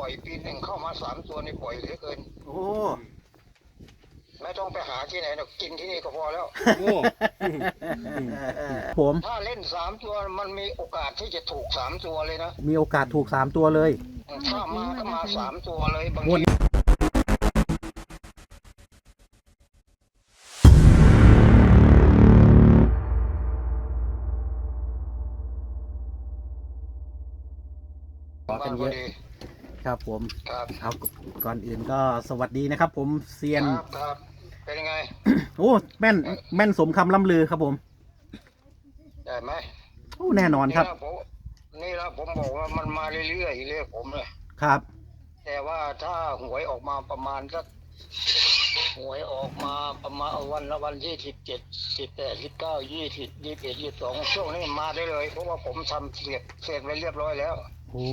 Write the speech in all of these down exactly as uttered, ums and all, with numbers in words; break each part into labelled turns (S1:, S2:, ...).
S1: อยปีหนึ่งเข้ามาสามตัวนี่ปล่อยเหลือเกิน
S2: โอ้
S1: ไม่ต้องไปหาที่ไหนหรอกกินที่นี่ก็พอแล้ว
S2: โอ้ผม
S1: ถ้าเล่นสามตัวมันมีโอกาสที่จะถูกสามตัวเลยนะ
S2: มีโอกาสถูกสามตัวเลย
S1: ถ้ามาก็มาสามตัวเลยบางที
S2: ขอกันเยอะครับผม
S1: ครับ
S2: เอาก่อนอื่นก็สวัสดีนะครับผมเซียน
S1: ครับครับเป็นยังไง
S2: โอ้แม่นแม่นสมคำล่ำลือครับผม
S1: ได้ไหม
S2: โอ้แน่นอนครับ
S1: นี่ละผมบอกว่ามันมาเรื่อยๆเรื่อยผมเลย
S2: ครับ
S1: แต่ว่าถ้าหวยออกมาประมาณสักหวยออกมาประมาณวันละวันที่สิบเจ็ดสิบแปดสิบเก้ายี่สิบยี่สิบเอ็ดยี่สิบสองช่วงนี้มาได้เลยเพราะว่าผมทำเสร็จเสร็จไว้เรียบร้อยแล้ว
S2: โอ้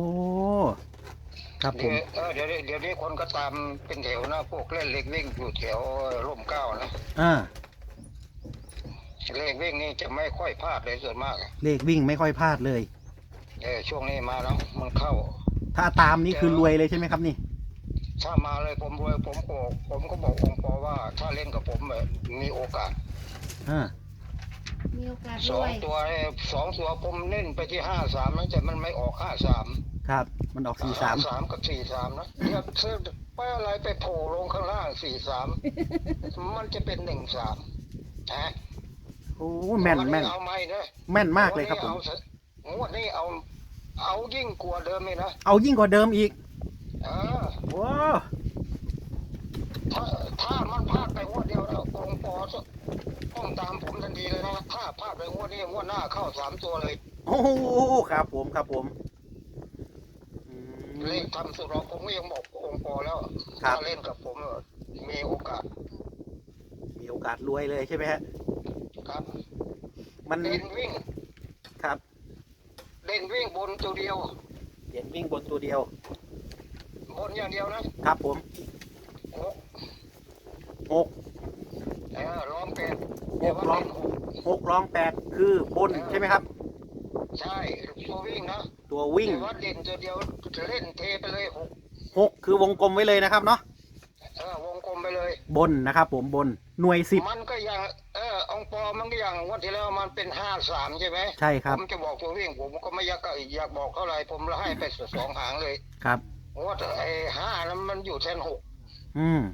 S2: ครับผม
S1: เออเดี๋ยวเดี๋ยวนี้คนก็ตามเป็นแถวนะพวกเล่นเล็กวิ่งอยู่แถวร่มเกล้านะ
S2: อ่า
S1: เลขวิ่งนี่จะไม่ค่อยพลาดเลยส่วนมาก
S2: เลขวิ่งไม่ค่อยพลาดเลย
S1: เออช่วงนี้มาแล้วมันเข้า
S2: ถ้าตามนี่คือรวยเลยใช่ไหมครับนี่
S1: ถ้ามาเลยผมรวยผมบอกผมก็บอกองค์ปอว่าถ้าเล่นกับผมแบบมีโอกาส
S2: อ่า
S3: มีโอกาส
S1: สองตัวสองตัวผมเล่นไปที่ห้าสามนะแต่มันไม่ออกห้าสาม
S2: ครับมันออกสี่สาม
S1: สามกับสี่สามนะเนี่ยเสื้อไปอะไรไปโผล่ลงข้างล่างสี่สามมันจะเป็นหนึ่งสามฮะ
S2: โอ้แม่นแม่น
S1: เอาไม่นะ
S2: แม่นมากเลยครับผม
S1: งวดนี้เอาเอายิ่งกว่าเดิมเลยนะ
S2: เอายิ่งกว่าเดิมอีก
S1: เออ
S2: ว้า
S1: ถ้าถ้ามันพลาดไปงวดเดียวแล้วองค์ปอต้องตามผมทันทีเลยนะถ้าพลาดไปงวดนี้งวดหน้าเข้าสามตัวเลย
S2: โอ้ครับผมครับผม
S1: เลขทำสุดเราผมก็ยังบอกองค์ปอแล้วถ้าเล่นกับผมมีโอกาส
S2: มีโอกาสรวยเลยใช่ไหมฮะ
S1: ครับ
S2: มัน
S1: เด่นวิ่ง
S2: ครับ
S1: เด่นวิ่งบนตัวเดียว
S2: เด่นวิ่งบนตัวเดียว
S1: บนอย่างเดียว
S2: นะครับผม
S1: หก
S2: หก
S1: เออร้องแปด
S2: หกร้องหกร้องแปดคือบนใช่ไหมครับ
S1: ใช่ตัววิ่งนะ
S2: ตัววิ่ง
S1: แต่ว่าเด่นตัวเดียวจะเล่นเทไปเลยหก
S2: หกคือวงกลมไว้เลยนะครับเนาะ
S1: เออวงกลมไปเลย
S2: บนนะครับผมบนหน่วยสิบ
S1: มันก็อย่างเออองปอมันก็อย่างวันที่แล้วมันเป็นห้าสามใช่ไหม
S2: ใช่ครับ
S1: ผมจะบอกตัววิ่งผมก็ไม่อยากอยากบอกเท่าไหร่ผมละให้ไปสองหางเลย
S2: ครับ
S1: ว่าไอ้ห้านั้นมันอยู่แทนหก
S2: อืม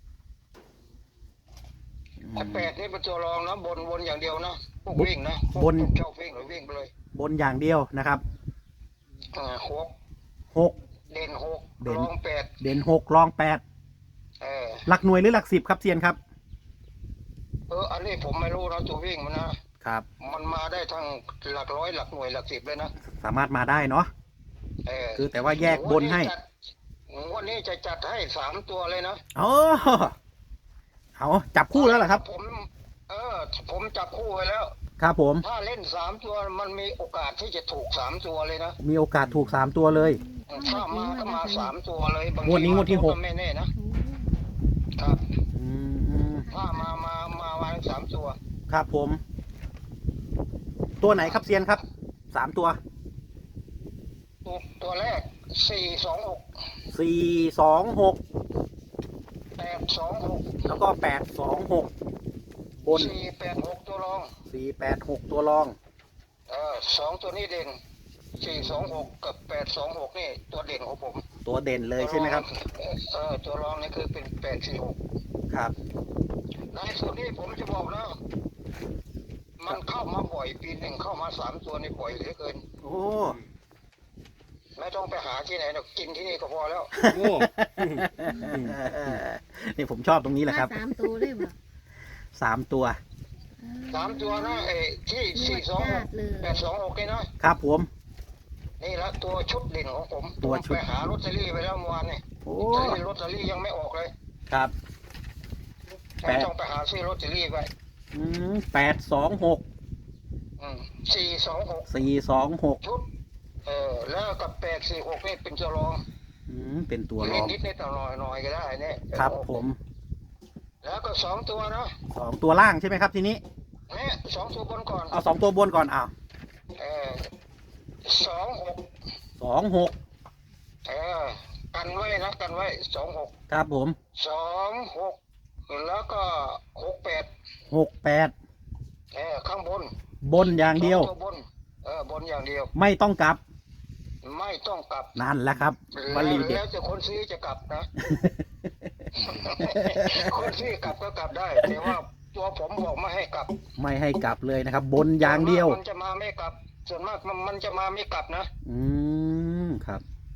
S1: ไอ้แปดนี่เป็นตัวรองนะบนบนอย่างเดียวนะพวกวิ่งนะ
S2: บน
S1: ชอบวิ่งหรือวิ่งไปเลย
S2: บนอย่างเดียวนะครับ
S1: อ่าหก
S2: หก
S1: เด่นหกรองแปด
S2: เด่นหกรองแปด
S1: เออ
S2: หลักหน่วยหรือหลักสิบครับเซียนครับ
S1: เอออันนี้ผมไม่รู้นะตัววิ่งมันนะครับมันมาได้ทั้งหลักร้อยหลักหน่วยหลักสิบเลยนะ
S2: สามารถมาได้เนาะ
S1: เออ
S2: คือแต่ว่าแยกบนให้
S1: วันนี้จะจัดให้สามตัวเลยนะ
S2: อ๋อเอาจับคู่แล้วเหรอครับ
S1: ผมเออผมจับคู่ไว้แล้ว
S2: ครับผม
S1: ถ้าเล่นสามตัวมันมีโอกาสที่จะถูกสามตัวเลยนะ
S2: มีโอกาสถูกสามตัวเลย
S1: ถ้ามาก็มาสามตัวเลยบาง
S2: ทีงวดนี้งวดที่หก
S1: ไม่แน่นะครับถ้ามามามาวันสามตัว
S2: ครับผมตัวไหนครับเซียนครับสามตัว
S1: ตัวตัวแรกสี่สองหก
S2: สี่สองหก
S1: แปดสองหก
S2: แล้วก็แปดสองหกบน
S1: สี่แปดหกตัวรอง
S2: สี่แปดหกตัวรอง
S1: เออสองตัวนี้เด่นสี่สองหกกับแปดสองหกนี่ตัวเด่นของผม
S2: ตัวเด่นเลยใช่ไหมครับ
S1: เออตัวรองนี่คือเป็นแปดสี่หก
S2: ครับ
S1: ในส่วนนี้ผมจะบอกนะมันเข้ามาบ่อยปีหนึ่งเข้ามาสามตัวนี่บ่อยเหลือเกิน
S2: โอ้
S1: ไม่ต้องไปหาที่ไหนหรอกกินที่นี่ก็พอแล้ว
S2: โอ้นี่ผมชอบตรงนี้แหละครับ
S3: สามตัวได้ไหม
S2: สามตัว
S1: สามตัวนะไอ้ที่สี่สองหกแปดสองหกนี่นะครับ
S2: ผม
S1: นี่ละตัวชุดเด่นของผมตัวชุดไปหาลอตเตอรี่ไปแล้วเมื่อวานนี่โอ้ลอตเตอรี่ยังไม่ออกเลย
S2: ครับ
S1: ไม่ต้องไปหาซื้อลอตเตอรี่ไป
S2: อืมแปดสองหก
S1: อืมสี่สองหก
S2: สี่สองหก
S1: ชุดเออแล้วกับแปดสี่หกนี่เป็นตัวรอง
S2: อืมเป็นตัวรอง
S1: นิดนิดหน่อยหน่อยก็ได้เนี่ย
S2: ครับผม
S1: แล้วก็สองตัวนะ
S2: สองตัวล่างใช่ไหมครับทีนี้
S1: เนี่ยสองตัวบนก่อน
S2: เอาสองตัวบนก่อนอ้าว
S1: เออสองหก
S2: สองหก
S1: เออกันไว้นะกันไว้สองหก
S2: ครับผม
S1: สองหกแล้วก็หกแปด
S2: หกแปด
S1: เออข้างบน
S2: บนอย่างเดียว
S1: สองตัวบนเออบนอย่างเดียว
S2: ไม่ต้องกลับ
S1: ไม่ต้องกลับ
S2: นั่นแหละครับว
S1: แล้ว
S2: ลีเด็ด
S1: แล้วจะคนซื้อจะกลับนะ คนซื้อกลับก็กลับได้ แต่ว่าตัวผมบอกไม่ให้กลับ
S2: ไม่ให้กลับเลยนะครับ บนอย่างเดียว
S1: มันจะมาไม่กลับ ส่วนมากมันมันจะมาไม่กลับนะ
S2: อืมครับ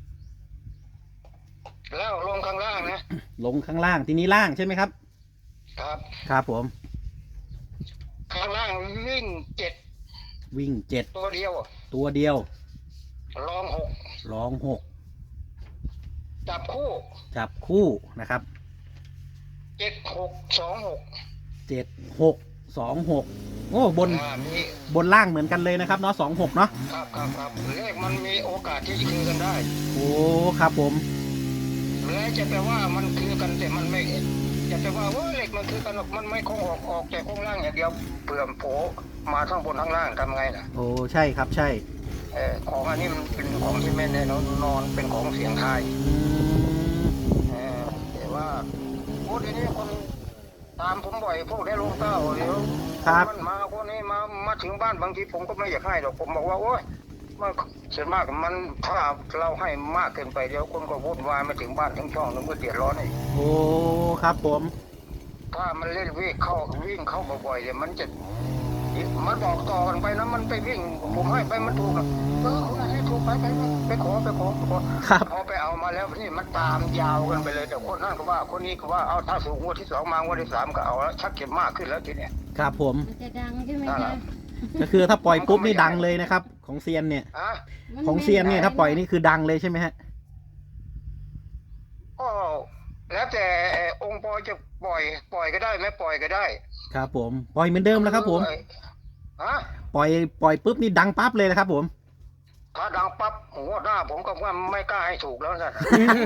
S1: แล้วลงข้างล่างนะ
S2: ลงข้างล่างทีนี้ล่างใช่ไหมครับ
S1: ครับ
S2: ครับผม
S1: ข้างล่างวิ่งเจ็ด
S2: วิ่งเจ็ด
S1: ตัวเดียว
S2: ตัวเดียว
S1: รองหก
S2: รองหก
S1: จับคู่
S2: จับคู่นะครับ
S1: เจ็ดหกสองหก
S2: เจ็ดหกสองหกโอ้บน
S1: อ่ามี
S2: บนล่างเหมือนกันเลยนะครับเนาะสองหกเนาะ
S1: ครับครับครับเลขมันมีโอกาสที่จะคือกันได้
S2: โอ้ครับผม
S1: และจะแปลว่ามันคือกันแต่มันไม่จะแปลว่าว่าเลขมันคือกันหรอกมันไม่คงออกออกแต่คงล่างอย่างเดียวเปลื่อมโผมาทั้งบนทั้งล่างทำไงล่ะ
S2: โอ้ใช่ครับใช่
S1: เออของอันนี้มันเป็นของที่ไม่แน่นอนนอนเป็นของเสียงทาย
S2: อืม
S1: เออแต่ว่าโอ้ทีนี้คนตามผมบ่อยพวกได้ลงเต้าเดี๋ยวมันมาคนนี้มามาถึงบ้านบางทีผมก็ไม่อยากให้หรอกผมบอกว่าโอ้ยมันส่วนมากมันถ้าเราให้มากเกินไปเดี๋ยวคนก็วุ่นวายมาถึงบ้านถึงช่องนึงก็เดือดร้อนอีก
S2: โอ้ครับผม
S1: ถ้ามันเล่นวิ่งเข้าวิ่งเข้าบ่อยๆเดี๋ยวมันจะมันบอกต่อกันไปนะมันไปวิ่งผมให้ไปมันถูกอะเออคุณให้ถูกไปไปไปไปขอไปขอไปขอ
S2: ครับ
S1: พอไปเอามาแล้วนี่มันตามยาวกันไปเลยแต่คนนั้นก็ว่าคนนี้ก็ว่าเอาถ้าสูงงวดที่สองมางวดที่สามก็เอาแล้วชักเก็บมากขึ้นแล้วทีเนี้ย
S2: ครับผม
S3: มันจะดังใช่ไหม
S1: นั่นแห
S3: คะ
S1: ละ
S2: ก็คือถ้าปล่อยปุ๊บนี่ดังเลยนะครับ ของเซียนเนี่ย
S1: อ่ะ
S3: มั
S2: ของเซียนเนี่ยถ้าปล่อยนี่คือดังเลยใช่ไหมฮะ
S1: ก็แล้วแต่องค์ปอจะปล่อยปล่อยก็ได้ไม่ปล่อยก็ได้
S2: ครับผมปล่อยเหมือนเดิมแล้วครับผม
S1: เอ้ยฮะ
S2: ปล่อยปล่อยปุ๊บนี่ดังปั๊บเลยนะครับผม
S1: ถ้าดังปั๊บงวดหน้าผมก็ว่าไม่กล้าให้ถูกแล้วนะ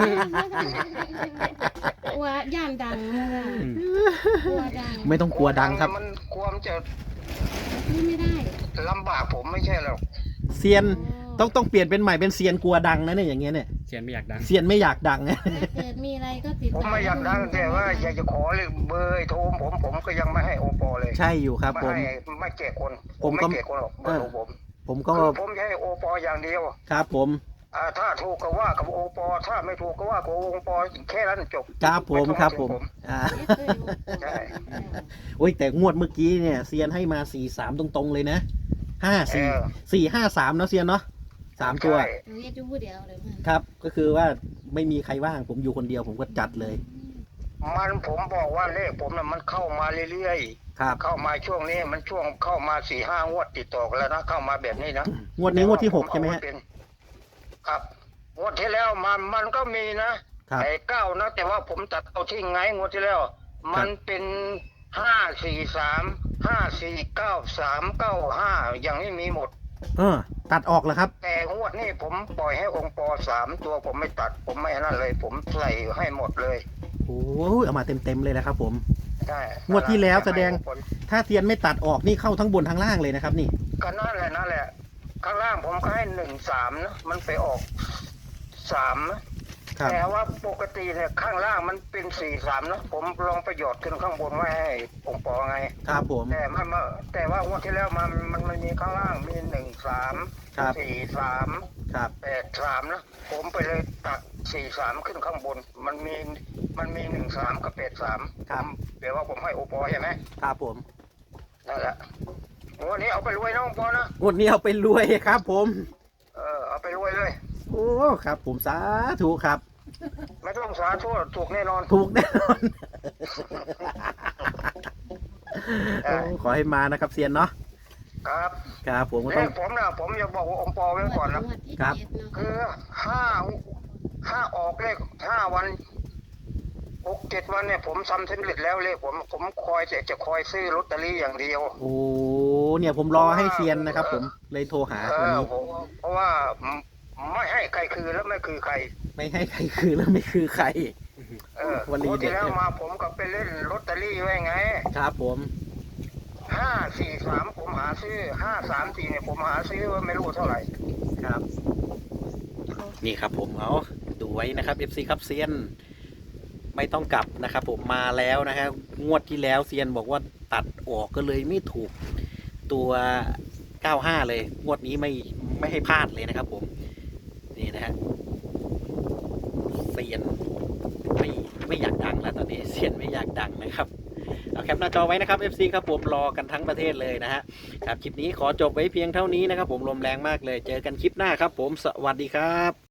S3: กลัวย่านดังนะคะกลัวดัง
S2: ไม่ต้องกลัวดังครับ
S1: มันความจะ
S3: นี่ไม่ได้
S1: ลำบากผมไม่ใช่หรอก
S2: เซียนต้องต้องเปลี่ยนเป็นใหม่เป็นเซียนกลัวดังนะเนี่ยอย่างเงี้ยเนี่ย
S4: เชียนไม่อยากดัง
S2: เซียนไม่อยากดัง
S3: ถ้าเกิดมีอะไรก็ติด
S1: ผมไม่อยากดังแต่ว่าอยากจะขอเลยเบอร์โทรผมผมก็ยังไม่ให้โอปอเลย
S2: ใช่อยู่ครับ
S1: ไม่
S2: ผม
S1: ให้ไม่แก่คน
S2: ผม
S1: ไม่
S2: ก็
S1: แก่คนหรอกเบอร์โทรผม
S2: ผมก็
S1: คือผมจะให้โอปออย่างเดียว
S2: ครับผม
S1: อ่าถ้าถูกก็ว่ากับโอปอถ้าไม่ถูกก็ว่ากับโอปอแค่นั้นจบ
S2: ครับผม
S1: ไต้อง
S2: ครับ
S1: ถึง
S2: ผมอ่า
S1: ใช่
S2: โอ้ยแต่งวดเมื่อกี้เนี่ยเซียนให้มาสี่สามตรงๆเลยนะห้า
S1: เอ
S2: สี่
S1: อ
S2: สี่ห้าสามเนาะเซียนเนาะสามตัว
S1: ใช่
S3: เรียกดูเดี๋ยวเลยมา
S2: ครับ ก็คือว่าไม่มีใครว่างผมอยู่คนเดียวผมก็จัดเลย
S1: มันผมบอกว่าเลขผมน่ะมันเข้ามาเรื่อยๆ
S2: ครับ
S1: เข้ามาช่วงนี้มันช่วงเข้ามาสี่ห้างวดติดต่อกันแล้วนะเข้ามาแบบนี้นะ
S2: งวดนี้งวดที่หกใช่ไหมฮะ
S1: แต่ว่าผเอาเป็นครับงวดที่แล้วมันมันก็มีนะครับ ไอ้เก้านะแต่ว่าผมตัดเอาทิ้งไงงวดที่แล้ว มันเป็นห้าสี่สามห้าสี่เก้าสามเก้าห้าอย่างนี้มีหมด
S2: เออ ตัดออกแล้วครับ
S1: แต่งวดนี้ผมปล่อยให้องค์ปอสามตัวผมไม่ตัด ผมไม่นั่นเลย ผมใส่ให้หมดเลย
S2: โอ้ยเอามาเต็มๆเลยนะครับผม
S1: ใช่
S2: งวดที่แล้วแสดง
S1: ให้ผล
S2: ถ้าเซียนไม่ตัดออกนี่เข้าทั้งบนทั้งล่างเลยนะครับนี่
S1: ก็นั่นแหละนั่นแหละ ข้างล่างผมก็ให้หนึ่งสามนะมันไปออกสามนะครับ แต่ว่าปกติเนี่ยข้างล่างมันเป็นสี่สามนะผมลองประโยชน์ขึ้นข้างบนไว้ให้องค์ปอไง
S2: ครับผม
S1: แต่มันมาแต่ว่างวดที่แล้วมันมันมันมีข้างล่างมีหนึ่งสาม
S2: ครับ
S1: สี่สาม
S2: ครับ
S1: แปดสามนะผมไปเลยตัดสี่สามขึ้นข้างบน มันมีมันมีหนึ่งสามกับแปดสาม
S2: ครับ
S1: เดี๋ยวว่าผมให้โอปอใช่ไหม
S2: ครับผม
S1: นั่นแหละวันนี้เอาไปรวยนะโอปอนะ
S2: งวดนี้เอาไปรวยครับผม
S1: เออเอาไปรวยเลย
S2: โอ้ครับผมสาธุครับ
S1: ไม่ต้องสาธุถูกแน่นอน
S2: ถูกแน่นอน
S1: เออ
S2: โอ้ขอให้มานะครับเซียนเนาะ
S1: ครับ
S2: ครับผมก็
S1: เล
S2: ต้อง
S1: ขผมนะผมจะบอกว่าองค์ปอไว้ก่อนนะ
S3: งวดที่
S2: ครับ
S3: เจ็ดเนาะ
S1: คือห้าห้าออกเลขห้าวันหกเจ็ดวันเนี่ยผมทำสำเร็จแล้วเลขผมผมคอยจะจะคอยซื้อลอตเตอรี่อย่างเดียว
S2: โอ้เนี่ยผมรอให้เซียนนะครับ ผมเลยโทรหา
S1: เอ
S2: วัน
S1: อ
S2: นี้
S1: ผมเพราะว่าไม่ให้ใครคือแล้วไม่คือใคร
S2: ไม่ให้ใครคือแล้วไม่คือใคร
S1: เออ
S2: วันนี้
S1: งวด
S2: เด็ด
S1: ที่แล้ว
S2: เนี่ย
S1: มาผมก็ไปเล่นลอตเตอรี่ไว้ไง
S2: ครับผม
S1: ห้าสี่สามผมหาซื้อห้าสามสี่เนี่ยผมหาซื้อว่าไม่รู้เท่าไหร่
S2: ครับ นี่ครับผมเอาดูวยนะครับ เอฟ ซี ครับเซียนไม่ต้องกลับนะครับผมมาแล้วนะครับงวดที่แล้วเซียนบอกว่าตัดออกก็เลยไม่ถูกตัวเก้าห้าเลยงวดนี้ไม่ไม่ให้พลาดเลยนะครับผมนี่นะฮะเซียนไม่ไม่อยากดังแล้วตอนนี้เซียนไม่อยากดังนะครับเอาแคปหน้าจอไว้นะครับ เอฟ ซี ครับผมรอกันทั้งประเทศเลยนะฮะครับคลิปนี้ขอจบไว้เพียงเท่านี้นะครับผมลมแรงมากเลยเจอกันคลิปหน้าครับผมสวัสดีครับ